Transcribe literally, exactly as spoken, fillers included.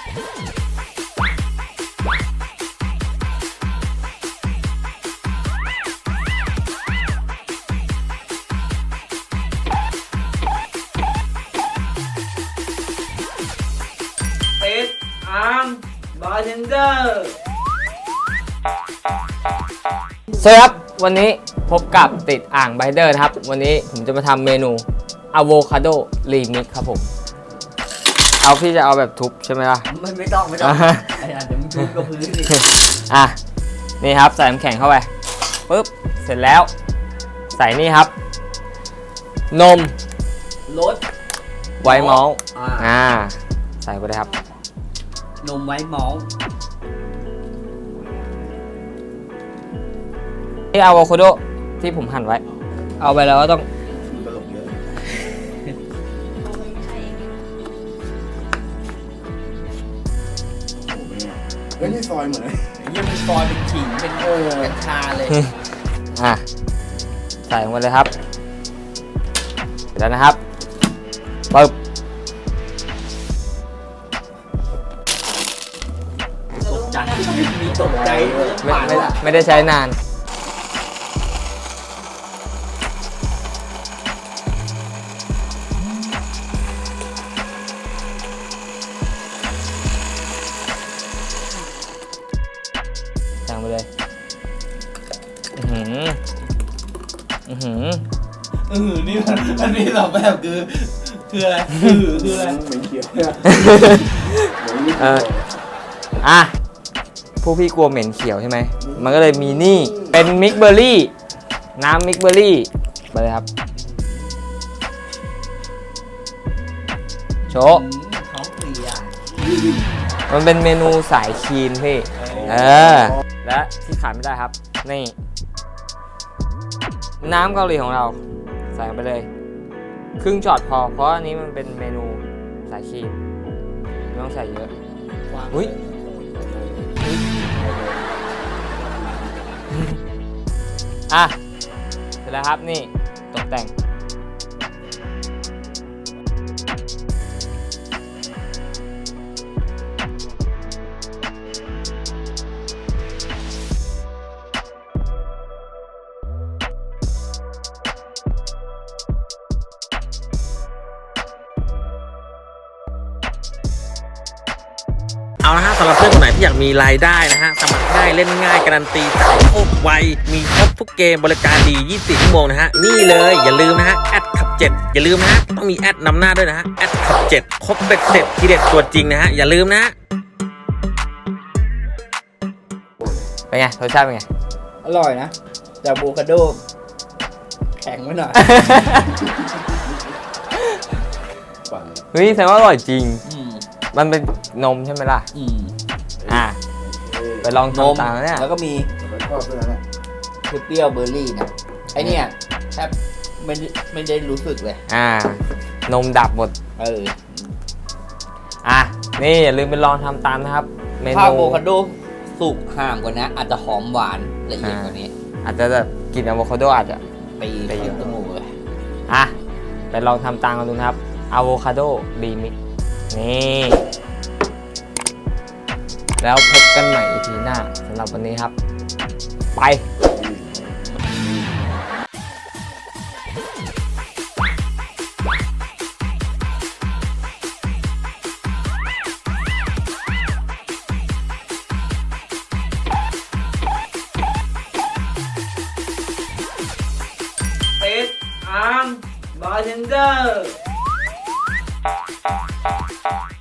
เป็ดอาร์มบาร์เทนเดอร์สวัสดีครับวันนี้พบกับติดอ่างไบเดอร์นะครับวันนี้ผมจะมาทำเมนูอะโวคาโดรีมิกครับผมเอาพี่จะเอาแบบทุบใช่ไหมล่ะไม่ไม่ต้องไม่ต้องไอ้อันเดี๋ยวมึงทุบกับพื้นดิอ่ะนี่ครับใส่น้ำแข็งเข้าไปปึ๊บเสร็จแล้วใส่นี่ครับนมรสไวท์มอลต์อ่าใส่ไปเลยครับนมไวท์มอลต์นี่อะโวคาโดที่ผมหั่นไว้เอาไปแล้วก็ต้องเฮ้ยนี่ซอยเหมือนยังเป็นซอยเป็นขิงเป็นเออเป็นชาเลยอ่ะใส่ลงไปเลยครับเสร็จแล้วนะครับปึ๊บตกใจมีตกใจไม่ไม่ไม่ได้ใช้นานสั่งไปเลยอือหืออือหืออือนี่มันมันมีสองแบบคือคืออะไรคือคืออะไรเหมือนเขียวเอออ่ะผู้พี่กลัวเหม็นเขียวใช่ไหมมันก็เลยมีนี่เป็นมิกเบอร์รี่น้ำมิกเบอร์รี่ไปเลยครับโชว์ท้องเสียมันเป็นเมนูสายคลีนพี่เออและที่ขาดไม่ได้ครับนี่น้ำเกาหลีของเราใส่ไปเลยครึ่งช็อตพอเพราะอันนี้มันเป็นเมนูสายคลีนไม่ต้องใส่เยอะอุ้ยอ่ะเสร็จแล้วครับนี่ตกแต่งเอาละฮะสำหรับเพื่อนคนไหนที่อยากมีรายได้นะฮะสมัครง่ายเล่นง่ายการันตีจ่ายโคตรไวมีครบทุกเกมบริการดียี่สิบสี่ชั่วโมงนะฮะนี่เลยอย่าลืมนะฮะแอดขับเจ็ดอย่าลืมนะฮะต้องมีแอดนำหน้าด้วยนะฮะแอดขับเจ็ดครบเบ็ดเสร็จทีเด็ดตัวจริงนะฮะอย่าลืมนะเป็นไงรสชาติเป็นไงอร่อยนะแต่อะโวคาโดแข็งไว้หน่อยเฮ้ยแสดงว่าอร่อยจริงมันเป็นนมใช่ไหมล่ะอืมอ่ะไปลองทำตามเนี่ยแล้วก็มีคือเปรี้ยวเบอร์รี่นะไอเนี่ยแทบไม่ไม่ได้รู้สึกเลยอ่านมดับหมดเอออ่ะนี่อย่าลืมไปลองทำตามนะครับเมนูถ้าอะโวคาโดสุกห่างกว่านี้อาจจะหอมหวานละเอียดกว่านี้อาจจะแบบกินอะโวคาโดอาจจะตีไปเยอะจมูกเลยอ่ะไปลองทำตามกันดูนะครับอะโวคาโดรีมิกนี่แล้วพบกันใหม่ อี พี หน้าสำหรับวันนี้ครับไปเป็ดอาร์มบาร์เทนเดอร์